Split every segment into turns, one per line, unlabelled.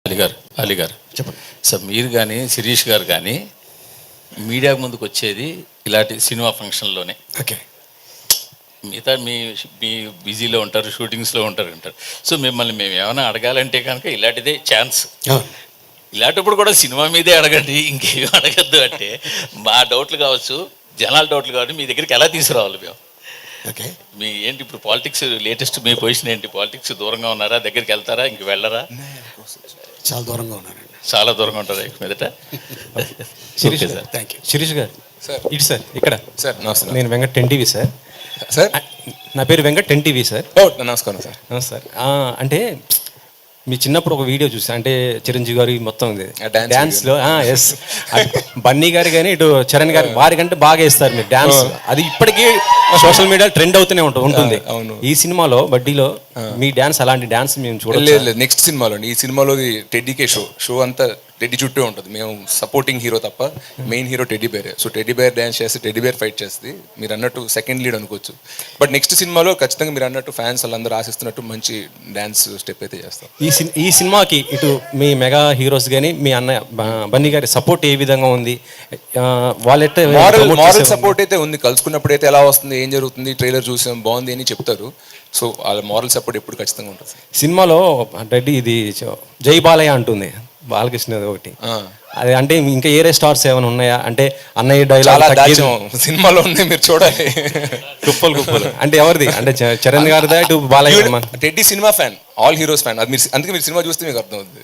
అలీ గారు చెప్పండి సార్. మీరు కానీ శిరీష్ గారు కానీ మీడియా ముందుకు వచ్చేది ఇలాంటి సినిమా ఫంక్షన్లోనే.
ఓకే.
మిగతా మీ మీ బిజీలో ఉంటారు, షూటింగ్స్లో అంటారు. సో మిమ్మల్ని మేము ఏమైనా అడగాలంటే కనుక ఇలాంటిదే ఛాన్స్. ఇలాంటప్పుడు కూడా సినిమా మీదే అడగండి, ఇంకేమి అడగద్దు అంటే మా డౌట్లు కావచ్చు, జనాల డౌట్లు కావచ్చు, మీ దగ్గరికి ఎలా తీసుకురావాలి మేము?
ఓకే.
మీ ఏంటి ఇప్పుడు పాలిటిక్స్ లేటెస్ట్ మీ పొజిషన్ ఏంటి? పాలిటిక్స్ దూరంగా ఉన్నారా, దగ్గరికి వెళ్తారా, ఇంక వెళ్ళరా?
చాలా దూరంగా ఉన్నానండి.
చాలా దూరంగా ఉంటారా ఇక మీదట?
Shirish
sir,
thank you. Shirish గారు
సార్,
ఇటు సార్ ఇక్కడ
సార్ నమస్తే.
నేను వెంకట్ 10 సార్.
సార్
నా పేరు వెంకట్ 10 సార్.
ఓ నమస్కారం సార్.
నమస్తే సార్. అంటే మీ చిన్నప్పుడు ఒక వీడియో చూసా, అంటే చిరంజీవి గారి మొత్తం డ్యాన్స్లో ఎస్ బన్నీ గారు కానీ ఇటు చరణ్ గారు వారికంటే బాగా వేస్తారు మీరు డ్యాన్స్. అది ఇప్పటికీ సోషల్ మీడియా ట్రెండ్ అవుతూనే ఉంటుంది. ఈ సినిమాలో బడ్డీలో మీ డ్యాన్స్ అలాంటి డ్యాన్స్ మేము చూడలేదు.
నెక్స్ట్ సినిమాలో, ఈ సినిమాలో టెడ్డీకే షో అంతా టెడ్డీ చుట్టూ ఉంటుంది. మేము సపోర్టింగ్ హీరో తప్ప మెయిన్ హీరో టెడ్డీ బేరే. సో టెడ్డీ బేర్ డ్యాన్స్ చేస్తే టెడ్డీ బేర్ ఫైట్ చేస్తుంది. మీరు అన్నట్టు సెకండ్ లీడ్ అనుకోవచ్చు. బట్ నెక్స్ట్ సినిమాలో ఖచ్చితంగా మీరు అన్నట్టు ఫ్యాన్స్ వాళ్ళందరూ ఆశిస్తున్నట్టు మంచి డ్యాన్స్ స్టెప్ అయితే చేస్తాం.
ఈ సినిమాకి ఇటు మీ మెగా హీరోస్ కానీ మీ అన్నయ్య బన్నీ గారి సపోర్ట్ ఏ విధంగా ఉంది? వాళ్ళైతే
మారల్ సపోర్ట్ అయితే ఉంది. కలుసుకున్నప్పుడు అయితే ఎలా వస్తుంది, ఏం జరుగుతుంది, ట్రైలర్ చూసాం బాగుంది అని చెప్తారు. సో వాళ్ళ మారల్ సపోర్ట్ ఎప్పుడు ఖచ్చితంగా ఉంటుంది.
సినిమాలో రెడ్డి ఇది జై బాలయ్య అంటుంది బాలకృష్ణ ఒకటి. అది అంటే ఇంకా ఏరే స్టార్స్ ఏమైనా ఉన్నాయా? అంటే అన్నయ్య డైలాగ్
సినిమాలో ఉంది, మీరు చూడాలి.
కుప్పలు అంటే ఎవరిది? అంటే చరణ్ గారిదా ఇటు Balayya?
Teddy cinema fan, all heroes fan. అది మీరు అందుకే మీరు సినిమా చూస్తే మీకు అర్థం అవుతుంది.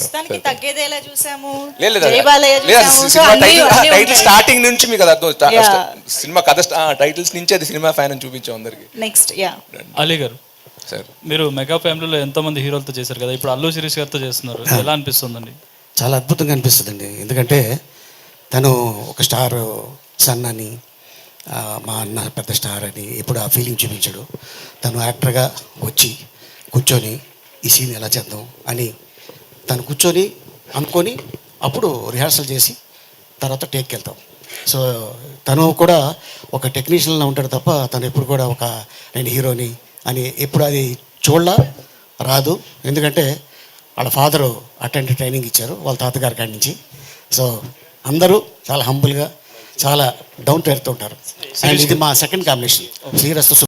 టైటిల్ స్టార్టింగ్ నుంచి మీకు అది అర్థం. సినిమా కథ టైటిల్స్ నుంచి అది సినిమా ఫ్యాన్ అని చూపించాం అందరికి.
నెక్స్ట్
అలీ గారు
సార్,
మీరు మెగా ఫ్యామిలీలో ఎంతోమంది హీరోలతో చేశారు కదా, ఇప్పుడు అల్లు శిరీష్ గారితో చేస్తున్నారు, ఎలా అనిపిస్తుందండి?
చాలా అద్భుతంగా అనిపిస్తుందండి. ఎందుకంటే తను ఒక స్టార్ సన్ అని, మా అన్న పెద్ద స్టార్ అని ఎప్పుడు ఆ ఫీలింగ్ చూపించాడు. తను యాక్టర్గా వచ్చి కూర్చొని ఈ సీన్ ఎలా చేద్దాం అని తను కూర్చొని అనుకొని అప్పుడు రిహార్సల్ చేసి తర్వాత టేక్కి వెళ్తాం. సో తను కూడా ఒక టెక్నీషియన్లా ఉంటాడు తప్ప తను ఎప్పుడు కూడా ఒక నేను హీరోని అని ఎప్పుడు అది చూడలా రాదు. ఎందుకంటే వాళ్ళ ఫాదరు అటెండ్ ట్రైనింగ్ ఇచ్చారు వాళ్ళ తాతగారి కాడి నుంచి. సో అందరూ చాలా హంబుల్గా, చాలా డౌన్ టు ఎర్త్ ఉంటారు. అండ్ ఇది మా సెకండ్ కాంబినేషన్ శ్రీరస్తు.